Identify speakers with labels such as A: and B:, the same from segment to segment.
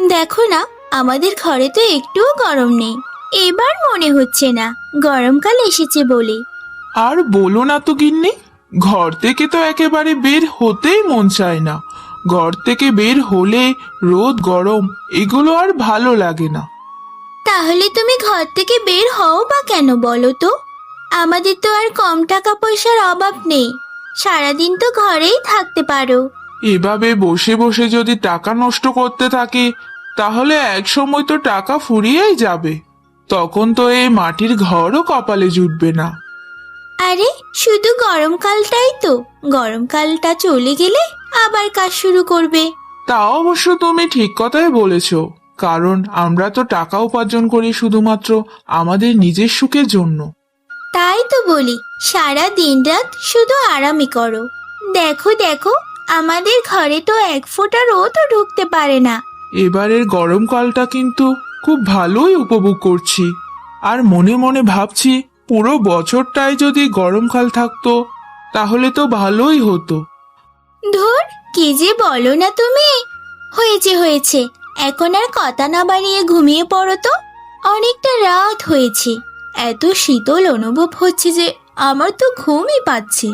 A: দেখো না, আমাদের ঘরে তো একটুও গরম নেই। এবার মনে হচ্ছে না গরমকাল এসেছে বলে।
B: আর বলো না তো গিন্নি, ঘর থেকে তো একেবারে বের হতেই মন চায় না। ঘর থেকে বের হলে রোদ গরম এগুলো আর ভালো লাগে না।
A: তাহলে তুমি ঘর থেকে বের হও বা কেন বলো তো? আমাদের তো আর কম টাকা পয়সার অভাব নেই, সারাদিন তো ঘরেই থাকতে পারো।
B: এভাবে বসে বসে যদি টাকা নষ্ট করতে থাকি তাহলে এক সময় তো টাকা ফুরিয়েই যাবে। তখন তো এই মাটির ঘরও কপালে জুটবে না।
A: আরে শুধু গরমকালটাই তো, গরমকালটা চলে গেলে আবার কাজ শুরু করবে।
B: তা অবশ্য তুমি ঠিক কথাই বলেছ, কারণ আমরা তো টাকা উপার্জন করি শুধুমাত্র আমাদের নিজের সুখের জন্য।
A: তাই তো বলি, সারা দিন রাত শুধু আরামই করো। দেখো দেখো, আমাদের ঘরে তো এক ফোঁটা রোদও ঢুকতে পারে না।
B: এবারের গরমকালটা কিন্তু খুব ভালোই উপভোগ করছি। আর মনে মনে ভাবছি পুরো বছরটাই যদি গরমকাল থাকতো তাহলে তো ভালোই হতো।
A: ধুর, কি যে বলো না তুমি। হয়েছে হয়েছে, এখন আর কথা না বাড়িয়ে ঘুমিয়ে পড়ো তো। অনেকটা রাত হয়েছে, এত শীতল অনুভব হচ্ছে যে আমার তো ঘুমই পাচ্ছে।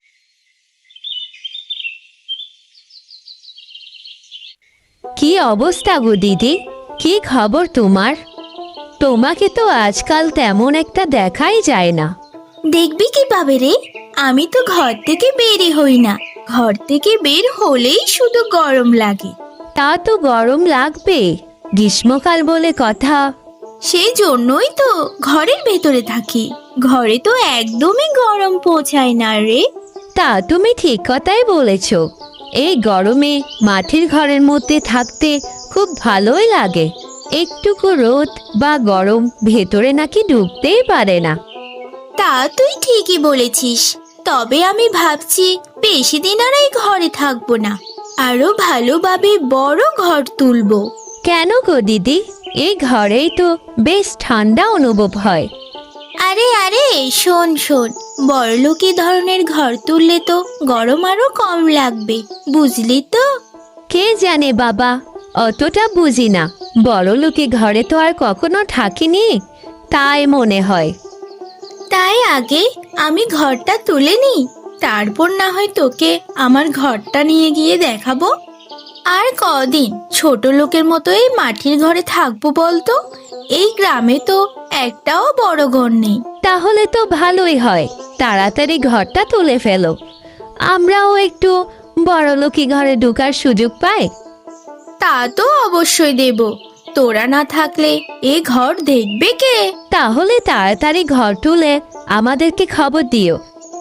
C: কি অবস্থা গো দিদি? কি খবর তোমার? তোমাকে তো আজকাল তেমন একটা দেখাই যায় না।
A: দেখবি কিভাবে রে, আমি তো ঘর থেকে বেরই হই না। ঘর থেকে বের হলেই শুধু গরম লাগে।
C: তা তো গরম লাগবে, গ্রীষ্মকাল বলে কথা।
A: সেই জন্যই তো ঘরের ভেতরে থাকি। ঘরে তো একদমই গরম পৌঁছায় না রে।
C: তা তুমি ঠিক কথাই বলেছ। এই গরমে মাটির ঘরের মধ্যে থাকতে খুব ভালোই লাগে। একটুকু রোদ বা গরম ভেতরে নাকি ঢুকতেই পারে না।
A: তা তুই ঠিকই বলেছিস, তবে আমি ভাবছি বেশি দিন আর এই ঘরে থাকবো না, আরো ভালোভাবে বড় ঘর তুলবো।
C: কেন গো দিদি? এই ঘরেই তো বেশ ঠান্ডা অনুভব হয়।
A: আরে আরে, শোন শোন, বড়লোকি ধরনের ঘর তুললে তো গরম আরো কম লাগবে, বুঝলি তো?
C: কে জানে বাবা, অতটা বুঝি না। বড় লোকে ঘরে তো আর কখনো থাকিনি, তাই মনে হয়।
A: তাই আগে আমি ঘরটা তুলে নিই, তারপর না হয় তোকে আমার ঘরটা নিয়ে গিয়ে দেখাবো। আর কদিন ছোট লোকের মতো এই মাটির ঘরে থাকবো বলতো? এই গ্রামে তো একটাও বড় ঘর নেই।
C: তাহলে তো ভালোই হয়, তাড়াতাড়ি ঘরটা তুলে ফেলো, আমরাও একটু বড়লোকি ঘরে ঢোকার সুযোগ পাই।
A: তা তো অবশ্যই দেব, তোরা না থাকলে এ ঘর দেখবে কে?
C: তাহলে তাড়াতাড়ি ঘর তুলে আমাদেরকে খবর দিও।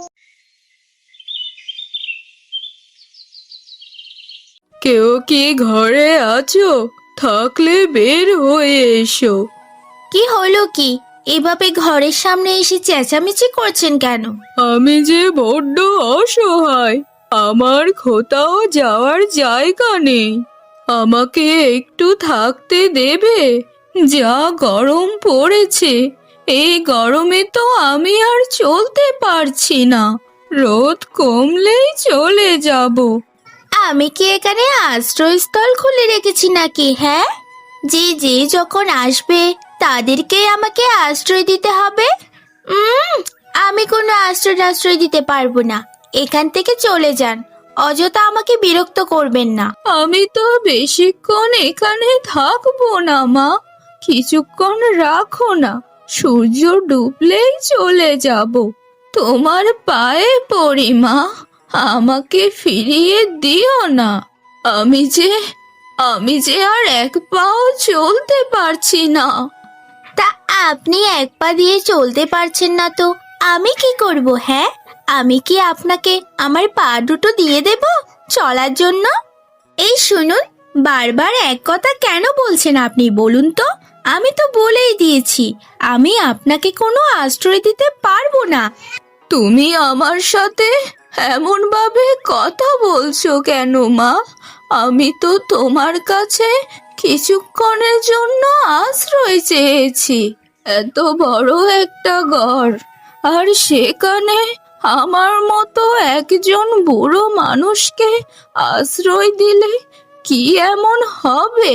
D: কেউ কি ঘরে আছো? থাকলে বের হয়ে এসো।
A: কি হলো কি? এভাবে ঘরের সামনে এসে চেঁচামেচি করছেন কেন?
D: আমি যে বড্ড অসহায়, আমার কোথাও যাওয়ার জায়গা নেই। আমাকে একটু থাকতে দেবে? যা গরম পড়েছে, এই গরমে তো আমি আর চলতে পারছি না। রোদ কমলেই চলে যাব।
A: আমি কি এখানে আশ্রয়স্থল খুলে রেখেছি নাকি? হ্যাঁ, যে যে যখন আসবে তাদেরকে আমাকে আশ্রয় দিতে হবে। উম আমি কোনো আশ্রয় দিতে পারবো না। এখান থেকে চলে যান, অযথা আমাকে বিরক্ত করবেন না।
D: আমি তো বেশিক্ষণ এখানে থাকবো না মা, কিছুক্ষণ রাখো না, সূর্য ডুবলেই চলে যাব। তোমার পায়ে পড়ি মা, আমাকে ফিরিয়ে দিও না। আমি যে আমি যে আর এক পাও চলতে পারছি না।
A: তা আপনি এক পা দিয়ে চলতে পারছেন না তো আমি কি করব? হ্যাঁ, আমি কি আপনাকে আমার পা দুটো দিয়ে দেব চলার জন্য? এই শুনুন, বারবার এক কথা কেন বলছেন আপনি বলুন তো? আমি তো বলেই দিয়েছি আমি আপনাকে কোনো আশ্রয় দিতে পারবো না।
D: তুমি আমার সাথে এমন ভাবে কথা বলছো কেন মা? আমি তো তোমার কাছে কিছুক্ষণের জন্য আশ্রয় চেয়েছি। এত বড় একটা ঘর, আর সেখানে আমার মতো একজন বুড়ো মানুষকে আশ্রয় দিলে কি এমন হবে?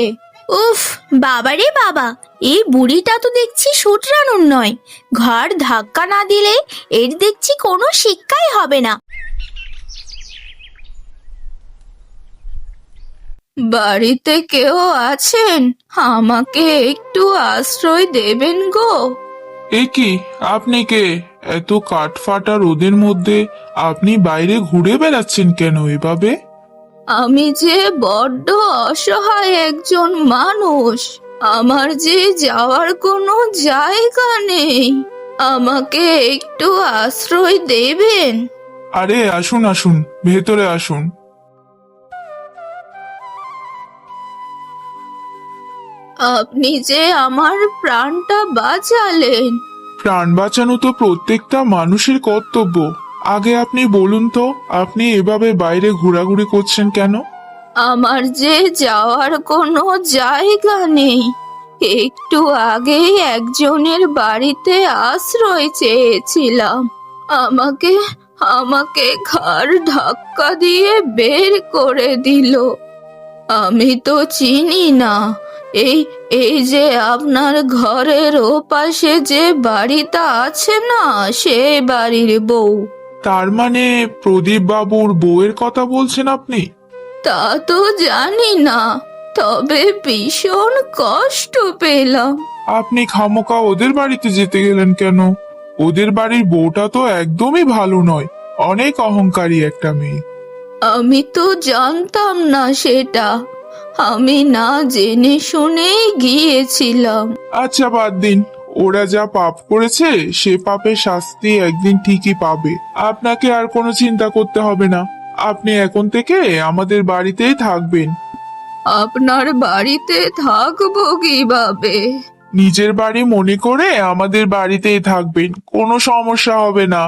A: উফ, বাবারে বাবা, এই বুড়িটা তো দেখছি শুধরানোর নয়। ঘর ধাক্কা না দিলে এর দেখছি কোনো শিক্ষাই হবে না।
D: বাড়িতে কেউ আছেন? আমাকে একটু আশ্রয় দেবেন গো।
B: এ কি, আপনি কে? এত কাঠফাটা রোদের মধ্যে আপনি বাইরে ঘুরে বেড়াচ্ছেন কেন এভাবে?
D: আমি যে বড্ড অসহায় একজন মানুষ, আমার যে যাওয়ার কোনো জায়গা নেই, আমাকে একটু আশ্রয় দেবেন?
B: আরে আসুন আসুন, ভেতরে আসুন।
D: আপনি যে আমার প্রাণটা বাঁচালেন।
B: প্রাণ বাঁচানো তো প্রত্যেকটা মানুষের কর্তব্য। আগে আপনি বলুন তো, আপনি এভাবে বাইরে ঘোরাঘুরি করছেন কেন?
D: আমার যে যাওয়ার কোনো জায়গা নেই, একটু আগেই একজনের বাড়িতে আশ্রয় চেয়েছিলাম। আমাকে আমাকে ঘাড় ধাক্কা দিয়ে বের করে দিল। আমি তো চিনি না এই এই যে আপনার ঘরের ওপাশে যে বাড়িটা আছে না, সে বাড়ির বউ।
B: তার মানে প্রদীপ বাবুর বউয়ের কথা বলছেন আপনি?
D: তা তো জানি না, তবে ভীষণ কষ্ট পেলাম।
B: আপনি খামোকা ওদের বাড়িতে যেতে গেলেন কেন? ওদের বাড়ির বউটা তো একদমই ভালো নয়, অনেক অহংকারী একটা মেয়ে।
D: আমি তো জানতাম না সেটা, আমি না জেনে শুনেই গিয়েছিলাম।
B: আচ্ছা বাদ দিন, ওরা যা পাপ করেছে সে পাপের শাস্তি একদিন ঠিকই পাবে। আপনাকে আর কোনো চিন্তা করতে হবে না। আপনি এখন থেকে আমাদের বাড়িতেই থাকবেন।
D: আপনার বাড়িতে থাকবো কিভাবে?
B: নিজের বাড়ি মনে করে আমাদের বাড়িতেই থাকবেন, কোনো সমস্যা হবে না।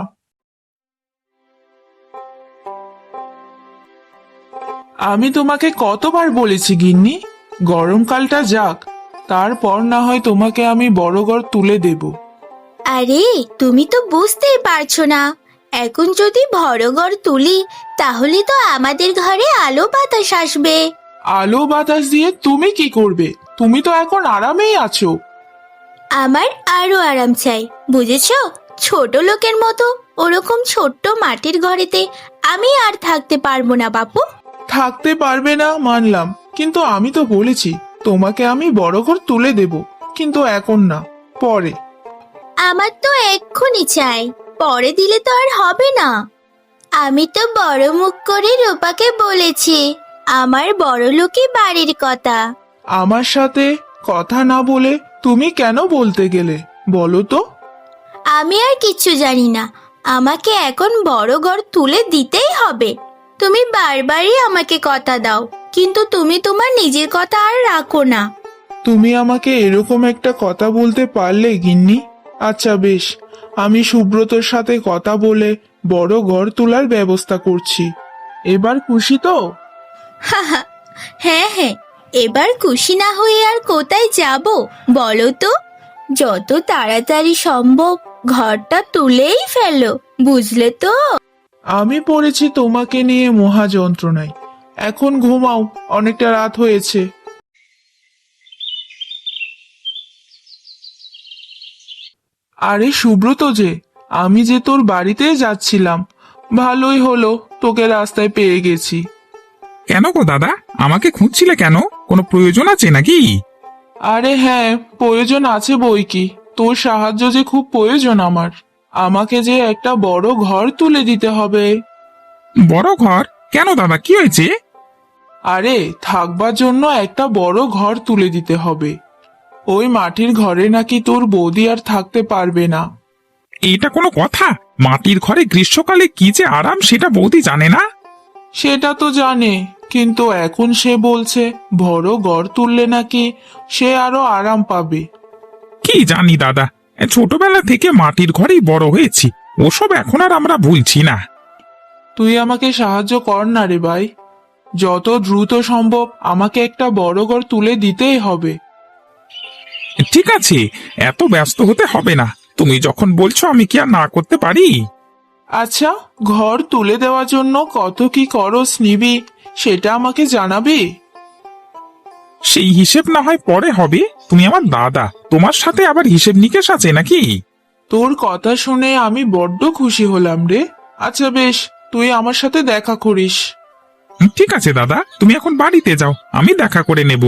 B: আমি তোমাকে কতবার বলেছি গিন্নি, গরমকালটা যাক, তারপর না হয় তোমাকে আমি বড় ঘর তুলে দেব।
A: আরে, তুমি তো বুঝতেই পারছো না, এখন যদি ভরঘর তুলি তাহলে তো আমাদের ঘরে আলো বাতাস আসবে।
B: আলো বাতাস দিয়ে তুমি কি করবে? তুমি তো এখন আরামেই আছো।
A: আমার আরো আরাম চাই, বুঝেছো? ছোট লোকের মতো ওরকম ছোট্ট মাটির ঘরেতে আমি আর থাকতে পারবো না বাপু।
B: থাকতে পারবে না মানলাম, কিন্তু আমি তো বলেছি তোমাকে আমি বড় ঘর তুলে দেব, কিন্তু এখন না, পরে।
A: আমার তো এক্ষুনি চাই, পরে দিলে তো আর হবে না। আমি তো বড় মুখ করে রূপাকে বলেছি আমার বড় লোকই বাড়ির কথা।
B: আমার সাথে কথা না বলে তুমি কেন বলতে গেলে বলো তো?
A: আমি আর কিচ্ছু জানি না, আমাকে এখন বড় ঘর তুলে দিতেই হবে। তুমি বারবারই আমাকে কথা দাও, কিন্তু তুমি তোমার নিজের কথা আর রাখো না।
B: তুমি আমাকে এরকম একটা কথা বলতে পারলে গিন্নি? আচ্ছা বেশ, আমি সুব্রতর সাথে কথা বলে বড় ঘর তোলার ব্যবস্থা করছি। এবার খুশি তো?
A: হ্যাঁ হ্যাঁ, এবার খুশি না হয়ে আর কোথায় যাব বলো তো? যত তাড়াতাড়ি সম্ভব ঘরটা তুলেই ফেলো, বুঝলে তো?
B: আমি পড়েছি তোমাকে নিয়ে মহা যন্ত্রণায়। এখন ঘুমাও, অনেকটা রাত হয়েছে। আরে সুব্রত যে, আমি যে তোর বাড়িতে যাচ্ছিলাম, ভালোই হলো তোকে রাস্তায় পেয়ে গেছি।
E: কেন গো দাদা, আমাকে খুঁজছিলে কেন? কোনো প্রয়োজন আছে নাকি?
B: আরে হ্যাঁ, প্রয়োজন আছে বই কি, তোর সাহায্য যে খুব প্রয়োজন আমার। আমাকে যে একটা বড় ঘর তুলে দিতে হবে।
E: বড় ঘর? কেন দাদা, কি হয়েছে?
B: আরে থাকবার জন্য একটা বড় ঘর তুলে দিতে হবে। ওই মাটির ঘরে নাকি তোর বৌদি আর থাকতে পারবে না।
E: এটা কোনো কথা? মাটির ঘরে গ্রীষ্মকালে কি যে আরাম সেটা বৌদি জানে না?
B: সেটা তো জানে, কিন্তু এখন সে বলছে বড় ঘর তুললে নাকি সে আরো আরাম পাবে।
E: কি জানি দাদা, ছোটবেলা থেকে মাটির ঘরেই বড় হয়েছি, ওসব এখন আর আমরা ভুলছি না।
B: তুই আমাকে সাহায্য কর না রে ভাই, যত দ্রুত সম্ভব আমাকে একটা বড় ঘর তুলে দিতেই হবে।
E: ঠিক আছে, এত ব্যস্ত হতে হবে না, তুমি যখন বলছো আমি কি আর না করতে পারি?
B: আচ্ছা, ঘর তুলে দেওয়ার জন্য কত কি খরচ নিবি সেটা আমাকে জানাবি?
E: সেই হিসেব না হয় পরে হবে। তুমি আমার দাদা, তোমার সাথে আবার হিসেব নিকেশ আছে নাকি?
B: তোর কথা শুনে আমি বড্ড খুশি হলাম রে। আচ্ছা বেশ, তুই আমার সাথে দেখা করিস।
E: ঠিক আছে দাদা, তুমি এখন বাড়িতে যাও, আমি দেখা করে নেব।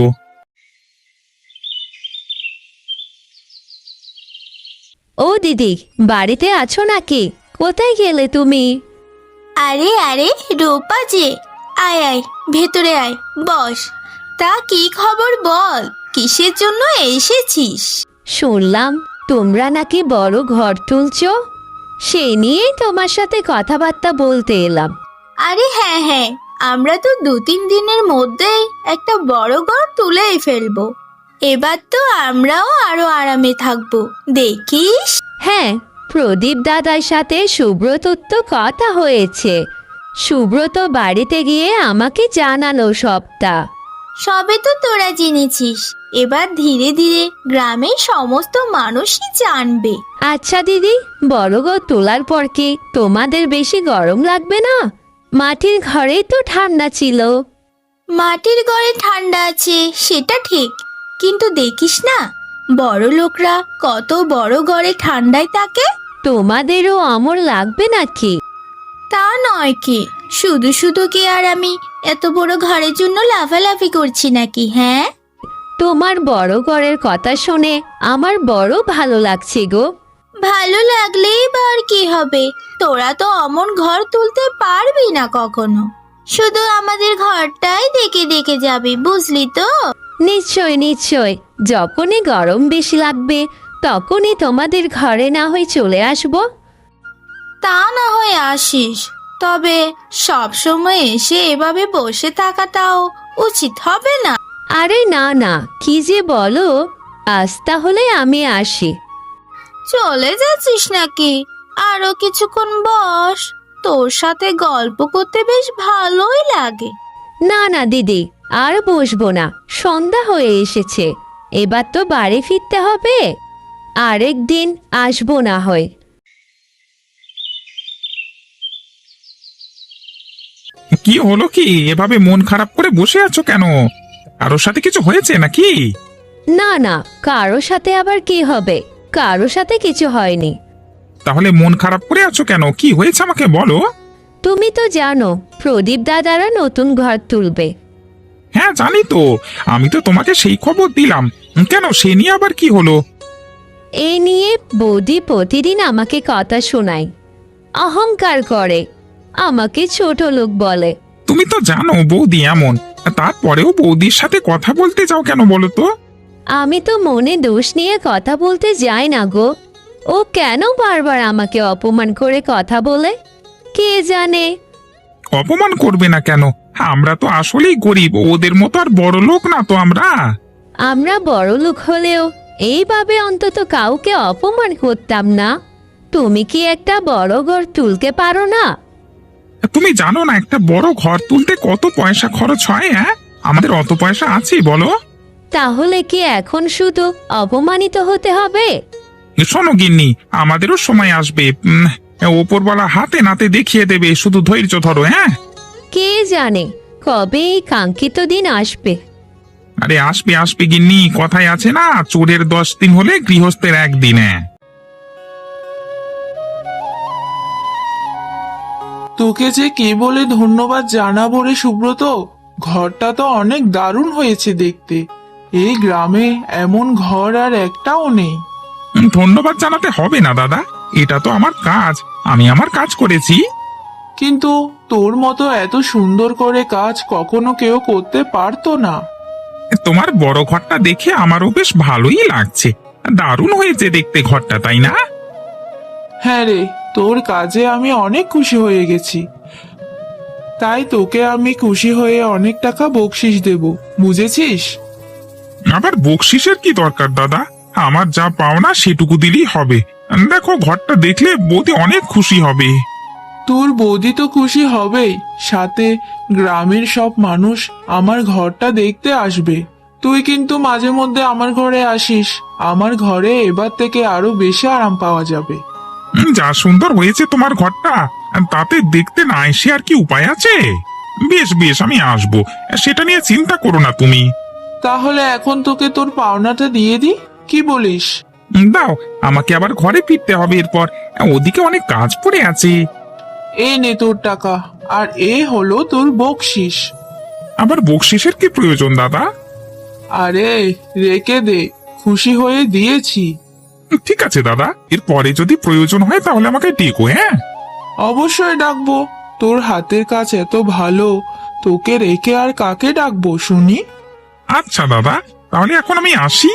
C: ও দিদি, বাড়িতে আছো নাকি? কোথায় গেলে তুমি?
A: আরে আরে রূপা যে, আয় আয় ভেতরে আয়, বস। তা কি খবর বল, কিসের জন্য এসেছিস?
C: শুনলাম তোমরা নাকি বড় ঘর তুলছো, সেই নিয়েই তোমার সাথে কথাবার্তা বলতে এলাম।
A: আরে হ্যাঁ হ্যাঁ, আমরা তো 2-3 দিনের মধ্যেই একটা বড় ঘর তুলেই ফেলবো। এবার তো আমরাও আরো আরামে থাকবো, দেখিস।
C: হ্যাঁ, প্রদীপ দাদার সাথে সুব্রতর তো কথা হয়েছে। সুব্রত বাড়িতে গিয়ে আমাকে জানালো সবটা।
A: সবে তো তোরা জেনেছিস, এবার ধীরে ধীরে গ্রামের সমস্ত মানুষই জানবে।
C: আচ্ছা দিদি, বড় ঘর তোলার পর কি তোমাদের বেশি গরম লাগবে না? মাটির ঘরেই তো ঠান্ডা ছিল।
A: মাটির ঘরে ঠান্ডা আছে সেটা ঠিক, কিন্তু দেখিস না বড় লোকরা কত বড় ঘরে ঠান্ডায় থাকে।
C: তোমাদেরও অমর লাগবে নাকি?
A: তা নয় কি, শুধু শুধু কি আর আমি এত বড় ঘরের জন্য লাফালাফি করছি নাকি? হ্যাঁ,
C: তোমার বড় ঘরের কথা শুনে আমার বড় ভালো লাগছে গো।
A: ভালো লাগলেই বা আর কি হবে, তোরা তো অমন ঘর তুলতে পারবি না কখনো। শুধু আমাদের ঘরটাই দেখে দেখে যাবি, বুঝলি তো?
C: নিশ্চয় নিশ্চয়, যখনই গরম বেশি লাগবে তখনই তোমাদের ঘরে না হয় চলে আসবো।
A: তা না হয় আসিস, তবে সব সময় এসে এভাবে বসে থাকাটাও উচিত হবে না।
C: আরে না না, কি যে বলো, আজ তাহলে আমি আসি।
A: চলে যাচ্ছিস নাকি? আরো কিছুক্ষণ বস, তোর সাথে গল্প করতে বেশ ভালোই লাগে।
C: না না দিদি, আর বসবো না, সন্ধ্যা হয়ে এসেছে, এবার তো বাড়ি ফিরতে হবে। আরেক দিন আসবো না হয়।
E: কি হলো কি, এভাবে মন খারাপ করে বসে আছো কেন? কারোর সাথে কিছু হয়েছে নাকি?
C: না না, কারো সাথে আবার কি হবে, কারো সাথে কিছু হয়নি।
E: তাহলে মন খারাপ করে আছো কেন? কি হয়েছে আমাকে বলো।
C: তুমি তো জানো প্রদীপ দাদারা নতুন ঘর তুলবে।
E: হ্যাঁ জানি তো, আমি তো তোমাকে সেই খবর দিলাম। কেন, সে নিয়ে আবার কি হলো?
C: এই নিয়ে বৌদি প্রতিদিন আমাকে কথা শোনায়, অহংকার করে, আমাকে ছোট লোক বলে।
E: তুমি তো জানো বৌদি এমন, তারপরেও বৌদির সাথে কথা বলতে যাও কেন বলো তো?
C: আমি তো মনে দোষ নিয়ে কথা বলতে যাই না গো, ও কেন বারবার আমাকে অপমান করে কথা বলে কে জানে।
E: অপমান করবে না কেন? আমরা তো আসলেই গরিব, ওদের মতো আর বড় লোক না তো আমরা।
C: আমরা বড় লোক হলেও এইভাবে অন্তত কাউকে অপমান করতাম না। তুমি কি একটা বড় ঘর তুলতে পারো না?
E: তুমি জানো না একটা বড় ঘর তুলতে কত পয়সা খরচ হয়? হ্যাঁ, আমাদের অত পয়সা আছে বলো?
C: তাহলে কি এখন শুধু অপমানিত হতে হবে?
E: শোনো গিন্নি, আমাদেরও সময় আসবে, ওপরওয়ালা হাতে নাতে দেখিয়ে দেবে, শুধু ধৈর্য ধরো। হ্যাঁ,
C: কে জানে কবে এই কাঙ্ক্ষিত দিন আসবে।
E: আরে আসবে আসবে গিন্নি, কথায় আছে না, চোরের 10 দিন হলে গৃহস্থের 1 দিন।
B: তোকে যে কি বলে ধন্যবাদ জানাবো রে সুব্রত, ঘরটা তো অনেক দারুণ হয়েছে দেখতে। এই গ্রামে এমন ঘর আর একটাও নেই।
E: ধন্যবাদ জানাতে হবে না দাদা, এটা তো আমার কাজ, আমি আমার কাজ করেছি।
B: কিন্তু তোর মতো এত সুন্দর করে কাজ কখনো কেউ করতে পারতো না।
E: তোমার বড় ঘরটা দেখে আমারও বেশ ভালোই লাগছে, দারুণ হয়েছে দেখতে ঘরটা, তাই না?
B: হ্যাঁ রে, তোর কাজে আমি অনেক খুশি হয়ে গেছি, তাই তোকে আমি খুশি হয়ে অনেক টাকা বকশিস দেব, বুঝেছিস?
E: আবার বকশিসের কি দরকার দাদা, আমার যা পাওনা সেটুকু দিলেই হবে। দেখো ঘরটা দেখলে বৌদি অনেক খুশি হবে।
B: তোর বৌদি তো খুশি হবেই, সাথে গ্রামের সব মানুষ আমার ঘরটা দেখতে আসবে। তুই কিন্তু মাঝে মধ্যে আমার ঘরে আসিস, আমার ঘরে এবার থেকে আরো বেশি আরাম পাওয়া যাবে।
E: যা সুন্দর হয়েছে তোমার ঘরটা, তাতে দেখতে না এসে আর কি উপায় আছে? বেশ বেশ, আমি আসবো, সেটা নিয়ে চিন্তা করো না তুমি।
B: তাহলে এখন তোকে তোর পাওনাটা দিয়ে দি, কি বলিস?
E: দাও, আমাকে আবার ঘরে ফিরতে হবে এরপর। ওদিকে অনেক কাজ পড়ে আছে।
B: এই নে তোর টাকা, আর এ হলো তোর বকশিস।
E: আবার বকশিসের কি প্রয়োজন দাদা?
B: আরে রেখে দে, খুশি হয়ে দিয়েছি।
E: ঠিক আছে দাদা, এরপরে যদি প্রয়োজন হয় তাহলে আমাকে ডেকো, হ্যাঁ?
B: অবশ্যই ডাকবো, তোর হাতের কাজ এত ভালো, তোকে রেখে আর কাকে ডাকবো শুনি?
E: আচ্ছা দাদা, তাহলে এখন আমি আসি।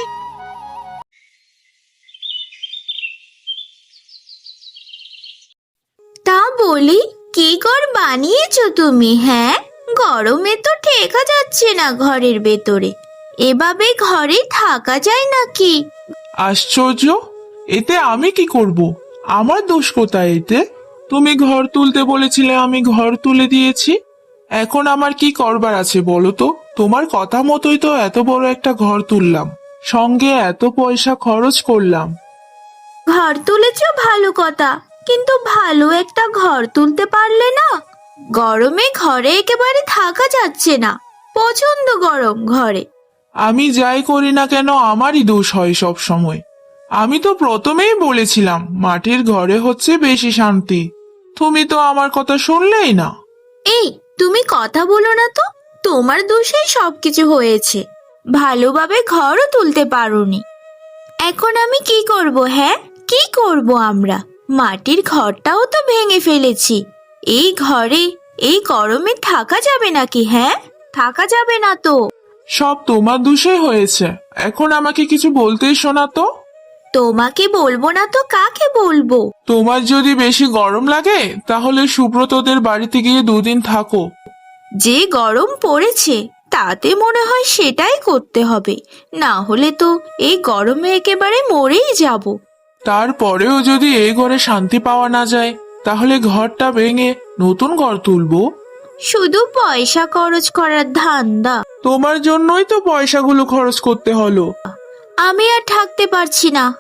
A: তা বলি, কি ঘর বানিয়েছো তুমি? হ্যাঁ, গরমে তো টেকা যাচ্ছে না ঘরের ভেতরে। এভাবে ঘরে থাকা যায় নাকি?
B: আশ্চর্য, এতে আমি কি করব? আমার দোষ কোথায় এতে? তুমি ঘর তুলতে বলেছিলে, আমি ঘর তুলে দিয়েছি। এখন আমার কি করবার আছে বলো তো? তোমার কথা মতোই তো এত বড় একটা ঘর তুললাম, সঙ্গে এত পয়সা খরচ করলাম।
A: ঘর তুলেছো ভালো কথা, কিন্তু ভালো একটা ঘর তুলতে পারলে না? গরমে ঘরে একেবারে থাকা যাচ্ছে না, প্রচন্ড গরম ঘরে।
B: আমি যাই করি না কেন আমারই দোষ হয় সব সময়। আমি তো প্রথমেই বলেছিলাম মাটির ঘরে হচ্ছে বেশি শান্তি। তুমি তো আমার কথা শুনলেই না।
A: এই, তুমি কথা বলো না তো, তোমার দোষেই সবকিছু হয়েছে। ভালোভাবে ঘরও তুলতে পারোনি। এখন আমি কি করব? হ্যাঁ, কি করব আমরা? মাটির ঘরটাও তো ভেঙে ফেলেছি। এই ঘরে এই গরমে থাকা যাবে নাকি? হ্যাঁ, থাকা যাবে না তো।
B: সব তোমার দোষে হয়েছে, এখন আমাকে কিছু বলতেই শোনা তো।
A: তোমাকে বলবো না তো কাকে বলবো?
B: তোমার যদি বেশি গরম লাগে তাহলে সুব্রতদের বাড়িতে গিয়ে 2 দিন থাকো।
A: যে গরম পড়েছে তাতে মনে হয় সেটাই করতে হবে, না হলে তো এই গরমে একেবারে মরেই যাব।
B: তারপরেও যদি এই ঘরে শান্তি পাওয়া না যায় তাহলে ঘরটা ভেঙে নতুন ঘর তুলবো।
A: শুধু পয়সা খরচ করার ধান্দা।
B: তোমার জন্যই তো পয়সাগুলো খরচ করতে হলো।
A: আমি আর থাকতে পারছি না,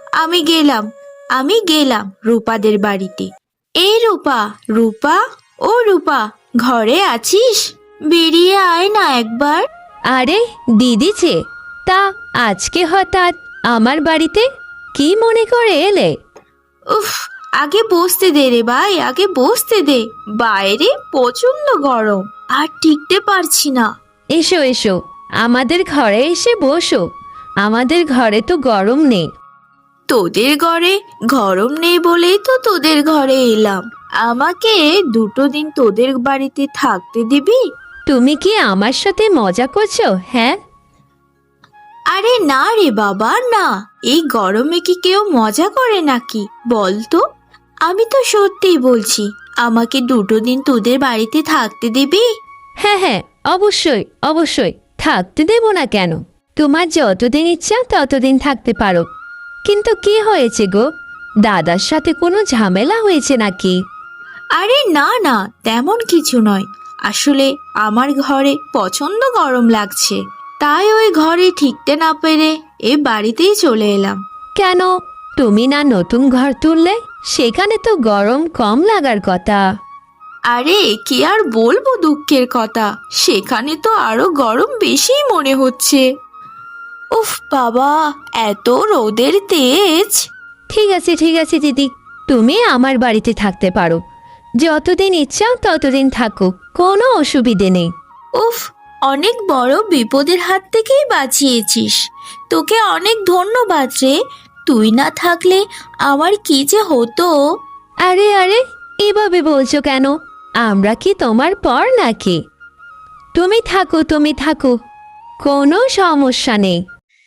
A: আমি গেলাম রূপাদের বাড়িতে। এই রূপা, রূপা, ও রূপা, ঘরে আছিস? বেরিয়ে আয় না একবার।
C: আরে দিদি যে, তা আজকে হঠাৎ আমার বাড়িতে কি মনে করে এলে?
A: উফ, আগে বসতে দে রে ভাই, আগে বসতে দে। বাইরে প্রচন্ড গরম, আর টিকতে পারছি না।
C: এসো এসো, আমাদের ঘরে এসে বসো। আমাদের ঘরে তো গরম নেই।
A: তোদের ঘরে গরম নেই বলেই তো তোদের ঘরে এলাম। আমাকে 2 দিন তোদের বাড়িতে থাকতে দিবি?
C: তুমি কি আমার সাথে মজা করছো? হ্যাঁ,
A: আরে না রে বাবা, না। এই গরমে কি কেউ মজা করে নাকি বল তো? আমি তো সত্যিই বলছি, আমাকে 2 দিন তোদের বাড়িতে থাকতে দিবি?
C: হ্যাঁ হ্যাঁ, অবশ্যই অবশ্যই, থাকতে দেব না কেন? তোমার যতদিন ইচ্ছা ততদিন থাকতে পারো। কিন্তু কি হয়েছে গো? দাদার সাথে কোনো ঝামেলা হয়েছে নাকি?
A: আরে না না, তেমন কিছু নয়। আসলে আমার ঘরে প্রচন্ড গরম লাগছে, তাই ওই ঘরে ঠিকতে না পেরে এ বাড়িতেই চলে এলাম।
C: কেন, তুমি না নতুন ঘর তুললে? সেখানে তো গরম কম লাগার কথা।
A: আরে কি আর বলবো দুঃখের কথা, সেখানে তো আরো গরম বেশি মনে হচ্ছে। উফ বাবা, এত রোদের তেজ।
C: ঠিক আছে দিদি, তুমি আমার বাড়িতে থাকতে পারো। যতদিন ইচ্ছা ততদিন থাকো, কোনো অসুবিধে নেই।
A: উফ, অনেক বড় বিপদের হাত থেকেই বাঁচিয়েছিস। তোকে অনেক ধন্যবাদ রে। তুই না থাকলে আমার কি যে হতো।
C: আরে আরে, এভাবে বলছো কেন? আমরা কি তোমার পর নাকি? তুমি থাকো, কোনো সমস্যা নেই।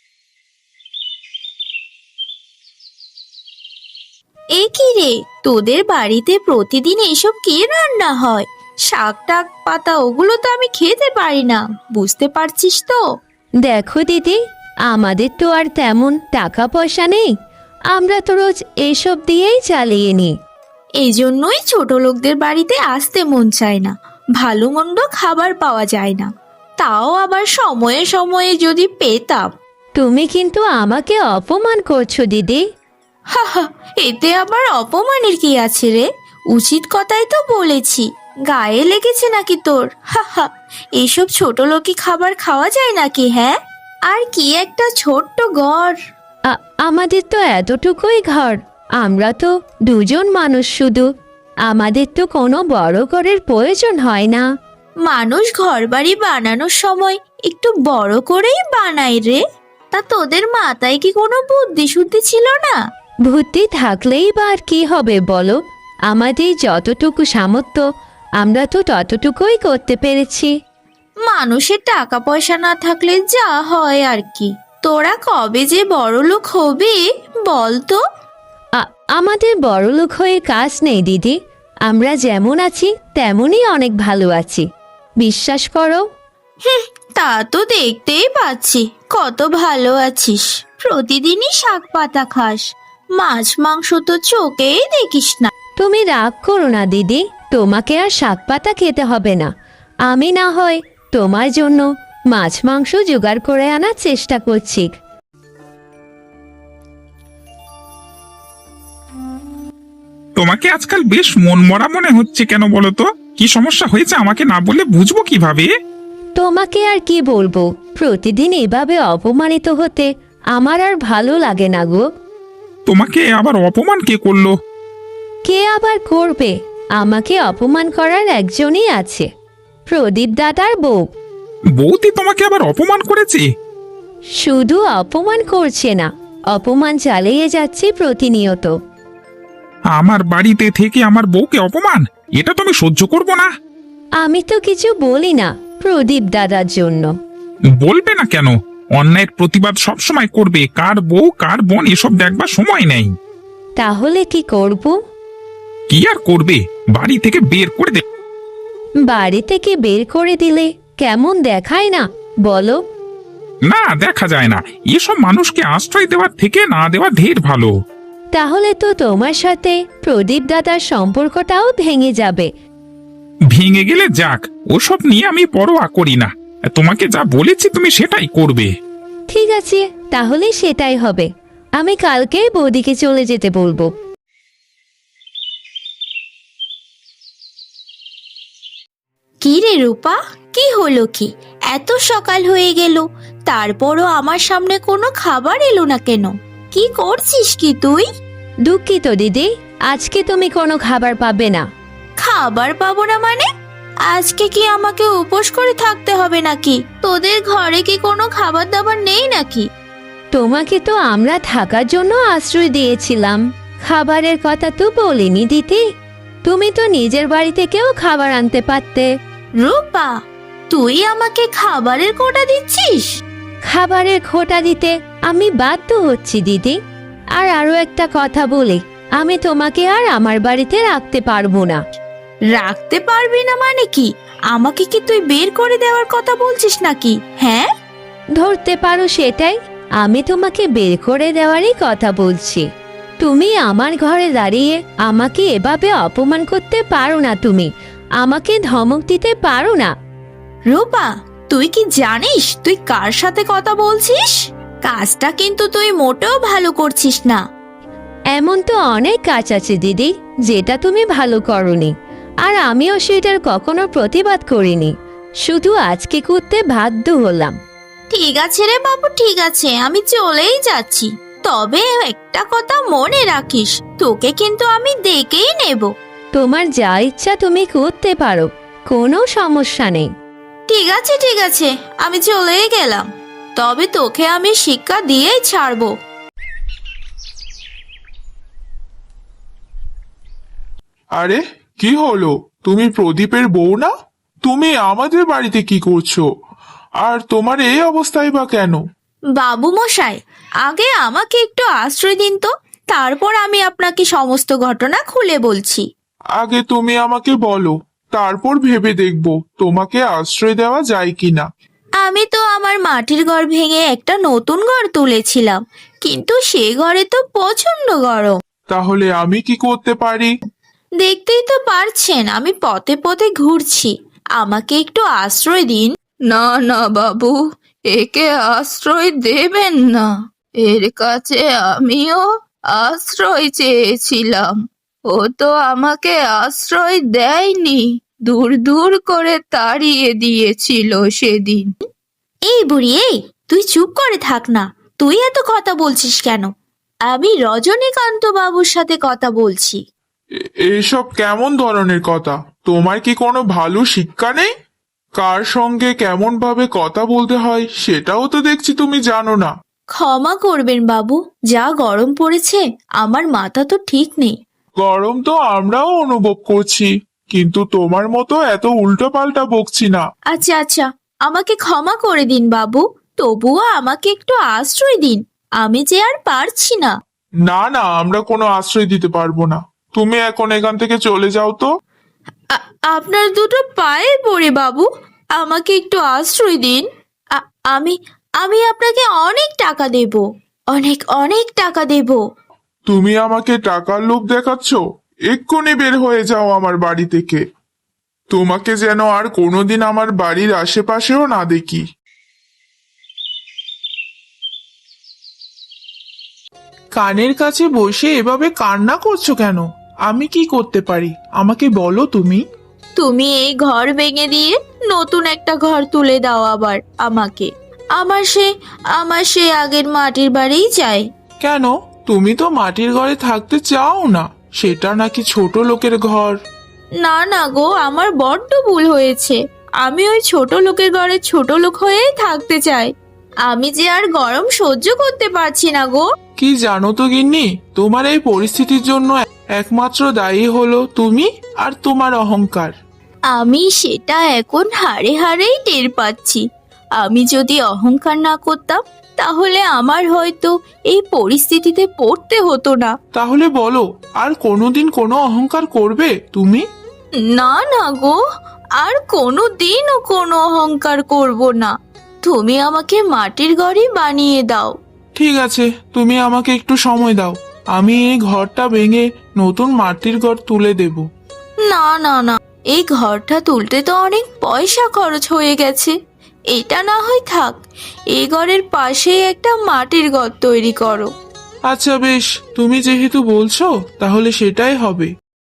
A: এ কি রে, তোদের বাড়িতে প্রতিদিন এসব কি রান্না হয়? শাক টাক পাতা ওগুলো তো আমি খেতে পারি না, বুঝতে পারছিস তো?
C: দেখো দিদি, আমাদের তো আর তেমন টাকা পয়সা নেই। আমরা তো রোজ এসব দিয়েই চালিয়ে নিই।
A: এই জন্যই ছোট লোকদের বাড়িতে আসতে মন চায় না, ভালো মন্দ খাবার পাওয়া যায় না। তাও আবার সময়ে সময়ে যদি পেতাম।
C: তুমি কিন্তু আমাকে অপমান করছো দিদি।
A: হা হা, এতে আবার অপমানের কি আছে রে? উচিত কথাই তো বলেছি, গায়ে লেগেছে নাকি তোর? হা হা, এইসব ছোট লোকি খাবার খাওয়া যায় নাকি? হ্যাঁ, আর কি একটা ছোট্ট ঘর।
C: আমাদের তো এতটুকুই ঘর, আমরা তো দুজন মানুষ শুধু, আমাদের তো কোনো বড় ঘরের প্রয়োজন হয় না।
A: মানুষ ঘরবাড়ি বানানোর সময় একটু বড় করেই বানায় রে। তা তোদের মাথায় কি কোনো বুদ্ধি শুদ্ধি ছিল না?
C: বুদ্ধি থাকলেই বা আর কি হবে বলো, আমাদের যতটুকু সামর্থ্য আমরা তো ততটুকুই করতে পেরেছি।
A: মানুষের টাকা পয়সা না থাকলে যা হয় আর কি। তোরা কবে যে বড় লোক হবে বল তো?
C: আমাদের বড়লোক হয়ে কাজ নেই দিদি, আমরা যেমন আছি তেমনই অনেক ভালো আছি, বিশ্বাস করো।
A: তা তো দেখতেই পাচ্ছি কত ভালো আছিস। প্রতিদিনই শাক পাতা খাস, মাছ মাংস তো চোখেই দেখিস না।
C: তুমি রাগ করো না দিদি, তোমাকে আর শাক পাতা খেতে হবে না। আমি না হয় তোমার জন্য মাছ মাংস জোগাড় করে আনার চেষ্টা করছি।
E: তোমাকে আজকাল বেশ মন মরা মনে হচ্ছে কেন বলো তো? কি সমস্যা হয়েছে আমাকে না বললে বুঝবো কিভাবে?
C: তোমাকে আর কি বলবো, প্রতিদিন এভাবে অপমানিত হতে আমার আর ভালো লাগে না গো।
E: তোমাকে আবার অপমান কে করলো?
C: কে আবার করবে, আমাকে অপমান করার একজনই আছে, প্রদীপ দাদার বউ।
E: বৌদি তোমাকে আবার অপমান করেছে?
C: শুধু অপমান করছে না, অপমান চালিয়ে যাচ্ছে প্রতিনিয়ত।
E: আমার বাড়িতে থেকে আমার বউকে অপমান, এটা তুমি সহ্য করবো না।
C: আমি তো কিছু বলি না প্রদীপ দাদার জন্য।
E: বলবে না কেন? অন্যায়ের প্রতিবাদ সবসময় করবে, কার বউ কার বোন এসব দেখবার সময় নেই।
C: তাহলে কি করব?
E: কি আর করবে, বাড়ি থেকে বের করে দে।
C: বাড়ি থেকে বের করে দিলে কেমন দেখায় না বলো?
E: না, দেখা যায় না। এসব মানুষকে আশ্রয় দেওয়ার থেকে না দেওয়া ঢের ভালো।
C: তাহলে তো তোমার সাথে প্রদীপ দাদার সম্পর্কটাও ভেঙে যাবে।
E: ভেঙে গেলে যাক, ওসব নিয়ে আমি পরোয়া করি না। তোমাকে যা বলেছি তুমি সেটাই করবে।
C: ঠিক আছে, তাহলে সেটাই হবে। আমি কালকেই বৌদিকে চলে যেতে বলবো।
A: কি রে রূপা, কি হলো কি? এত সকাল হয়ে গেল, তারপরও আমার সামনে কোনো খাবার এলো না কেন? কি করছিস কি তুই?
C: দুঃখিত দিদি, আজকে তুমি কোনো খাবার পাবে না।
A: খাবার পাবো না মানে? আজকে কি আমাকে উপোস করে থাকতে হবে নাকি? তোদের ঘরে কি কোনো খাবার দাবার নেই নাকি?
C: তোমাকে তো আমরা থাকার জন্য আশ্রয় দিয়েছিলাম, খাবারের কথা তো বলিনি দিদি। তুমি তো নিজের বাড়ি থেকেও খাবার আনতে পারতে।
A: রূপা, তুই আমাকে খাবারের কোটা দিচ্ছিস?
C: খাবারের খোটা দিতে আমি বাধ্য হচ্ছি দিদি। আর আরো একটা কথা বলি, আমি তোমাকে আর আমার বাড়িতে রাখতে পারবো না।
A: রাখতে পারবি না মানে কি? আমাকে কি তুই বের করে দেওয়ার কথা বলছিস নাকি? হ্যাঁ,
C: ধরতে পারো সেটাই, আমি তোমাকে বের করে দেওয়ারই কথা বলছি। তুমি আমার ঘরে দাঁড়িয়ে আমাকে এভাবে অপমান করতে পারো না, তুমি আমাকে ধমক দিতে পারো না।
A: রূপা, তুই কি জানিস তুই কার সাথে কথা বলছিস? কাজটা কিন্তু তুই মোটেও ভালো করছিস না।
C: এমন তো অনেক কাজ আছে দিদি যেটা তুমি ভালো করনি, আর আমিও সেটার কখনো প্রতিবাদ করিনি, শুধু আজকে করতে বাধ্য হলাম।
A: ঠিক আছে রে বাবু, ঠিক আছে, আমি চলেই যাচ্ছি। তবে একটা কথা মনে রাখিস, তোকে কিন্তু আমি দেখেই নেব।
C: তোমার যা ইচ্ছা তুমি করতে পারো, কোনো সমস্যা নেই।
A: ঠিক আছে ঠিক আছে, আমি চলেই গেলাম। তবে তোকে আমি শিক্ষা দিয়েই ছাড়বো।
B: আরে কি হলো, তুমি প্রদীপের বউ না? তুমি আমাদের বাড়িতে কি করছো? আর তোমার এই অবস্থায় বা কেন?
A: বাবু মশাই, আগে আমাকে একটু আশ্রয় দিন তো, তারপর আমি আপনাকে সমস্ত ঘটনা খুলে বলছি।
B: আগে তুমি আমাকে বলো, তারপর ভেবে দেখবো তোমাকে আশ্রয় দেওয়া যায় কিনা।
A: আমি তো আমার মাটির ঘর ভেঙে একটা নতুন ঘর তুলেছিলাম, কিন্তু সে ঘরে তো প্রচন্ড গরম।
B: তাহলে আমি কি করতে পারি?
A: দেখতেই তো পারছেন আমি পথে পথে ঘুরছি, আমাকে একটু আশ্রয় দিন।
D: না না বাবু, একে আশ্রয় দেবেন না। এর কাছে আমিও আশ্রয় চেয়েছিলাম, ও তো আমাকে আশ্রয় দেয়নি, দূর দূর করে তাড়িয়ে দিয়েছিল সেদিন।
A: এই বুড়ি, এই তুই চুপ করে থাক না। তুই এত কথা বলছিস কেন? আমি রজনীকান্ত বাবুর সাথে কথা বলছি।
B: এসব কেমন ধরনের কথা? তোমার কি কোনো ভালো শিক্ষা নেই? কার সঙ্গে কেমন ভাবে কথা বলতে হয় সেটাও তো দেখছি তুমি জানো না।
A: ক্ষমা করবেন বাবু, যা গরম পড়েছে আমার মাথা তো ঠিক নেই।
B: গরম তো আমরাও অনুভব করছি, কিন্তু তোমার মতো এত উল্টো পাল্টা বকছি না।
A: আচ্ছা আচ্ছা, আমাকে ক্ষমা করে দিন বাবু, তবুও আমাকে একটু আশ্রয় দিন। আমি যে আর পারছি না।
B: না না, আমরা কোনো আশ্রয় দিতে পারবো না। তুমি এখন এখান থেকে চলে যাও তো।
A: আপনার দুটো পায়ে পড়ে বাবু, আমাকে একটু আশ্রয় দিন। আ- আমি আমি আপনাকে অনেক টাকা দেব, অনেক অনেক টাকা দেব।
B: তুমি আমাকে টাকার লোভ দেখাচ্ছ? এক্ষুনি বের হয়ে যাও আমার বাড়ি থেকে। তোমাকে যেন আর কোনোদিন আমার বাড়ির আশেপাশেও না দেখি। কানের কাছে বসে এভাবে কান্না করছো কেন? আমি কি করতে পারি আমাকে বলো তুমি।
A: তুমি এই ঘর ভেঙে দিয়ে নতুন একটা ঘর তুলে দাও আবার আমাকে। আমার সে আগের মাটির বাড়িই চাই।
B: কেন, তুমি তো মাটির ঘরে থাকতে চাও না? সেটা নাকি ছোট লোকের ঘর।
A: না না গো, আমার বড্ড ভুল হয়েছে। আমি ওই ছোট লোকের ঘরে ছোট লোক হয়েই থাকতে চাই। আমি যে আর গরম সহ্য করতে পারছি না গো।
B: কি জানো তো গিন্নি, তোমার এই পরিস্থিতির জন্য একমাত্র দায়ী হলো তুমি আর তোমার অহংকার।
A: আমি সেটা এখন হাড়ে হাড়েই টের পাচ্ছি। আমি যদি অহংকার না করতাম তাহলে আমার হয়তো এই পরিস্থিতিতে পড়তে হতো না।
B: তাহলে বলো, আর কোনোদিন কোনো অহংকার করবে তুমি?
A: না না গো, আর কোনো দিনও কোনো অহংকার করব না। তুমি আমাকে মাটির ঘরই বানিয়ে দাও।
B: ঠিক আছে, তুমি আমাকে একটু সময় দাও, আমি এই ঘরটা ভেঙে নতুন মাটির ঘর তুলে দেব।
A: না না না, এই ঘরটা তুলতে তো অনেক পয়সা খরচ হয়ে গেছে। এটা না হয় থাক, এই ঘরের পাশেই একটা মাটির ঘর তৈরি করো।
B: আচ্ছা বেশ, তুমি যেহেতু বলছো তাহলে সেটাই হবে।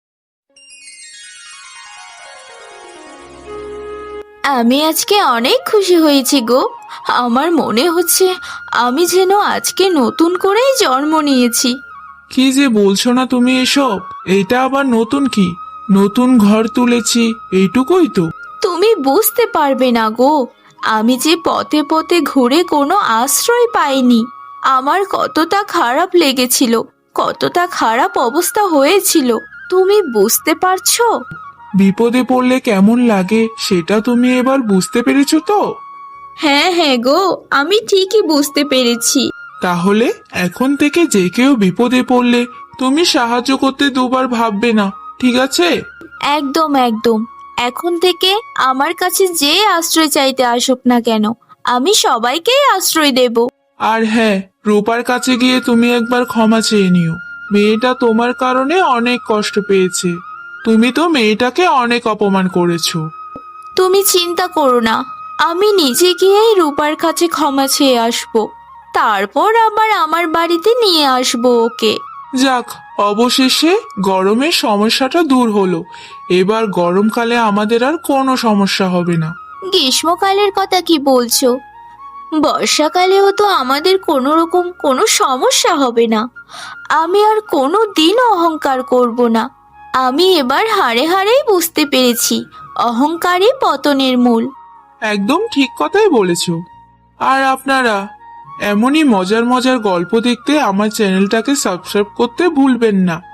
A: আমি আজকে অনেক খুশি হয়েছি গো। আমার মনে হচ্ছে আমি যেন আজকে নতুন করেই জন্ম নিয়েছি।
B: কি যে বলছো না তুমি এসব? এইটা আবার নতুন কি? নতুন ঘর তুলেছি এইটুকুই তো।
A: তুমি বুঝতে পারবে না গো, আমি যে পথে পথে ঘুরে কোনো আশ্রয় পাইনি। আমার কতটা খারাপ লেগেছিল, কতটা খারাপ অবস্থা হয়েছিল, তুমি বুঝতে পারছো?
B: বিপদে পড়লে কেমন লাগে সেটা তুমি এবার বুঝতে পেরেছো তো?
A: হ্যাঁ হ্যাঁ গো, আমি ঠিকই বুঝতে পেরেছি।
B: তাহলে এখন থেকে যে কেউ বিপদে পড়লে তুমি সাহায্য করতে দুবার ভাববে না, ঠিক আছে?
A: একদম একদম, এখন থেকে আমার কাছে যে আশ্রয় চাইতে আসুক না কেন, আমি সবাইকেই আশ্রয় দেব।
B: আর হ্যাঁ, রূপার কাছে গিয়ে তুমি একবার ক্ষমা চেয়ে নিও। মেয়েটা তোমার কারণে অনেক কষ্ট পেয়েছে। তুমি তো মেয়েটাকে অনেক অপমান করেছো।
A: তুমি চিন্তা করো না, আমি নিজে গিয়েই রূপার কাছে ক্ষমা চেয়ে আসবো। তারপর আবার আমার বাড়িতে নিয়ে আসবো ওকে।
B: যাক, অবশেষে গরমের সমস্যাটা দূর হলো। এবার গরমকালে আমাদের আর কোনো সমস্যা হবে না।
A: গ্রীষ্মকালের কথা কি বলছো? বর্ষাকালেও তো আমাদের কোনো রকম কোনো সমস্যা হবে না। আমি আর কোনো দিন অহংকার করব না। আমি এবার হাড়ে হাড়েই বুঝতে পেরেছি অহংকারই পতনের মূল।
B: একদম ঠিক কথাই বলেছো। আর আপনারা এমনই মজার মজার গল্প দেখতে আমার চ্যানেলটাকে সাবস্ক্রাইব করতে ভুলবেন না।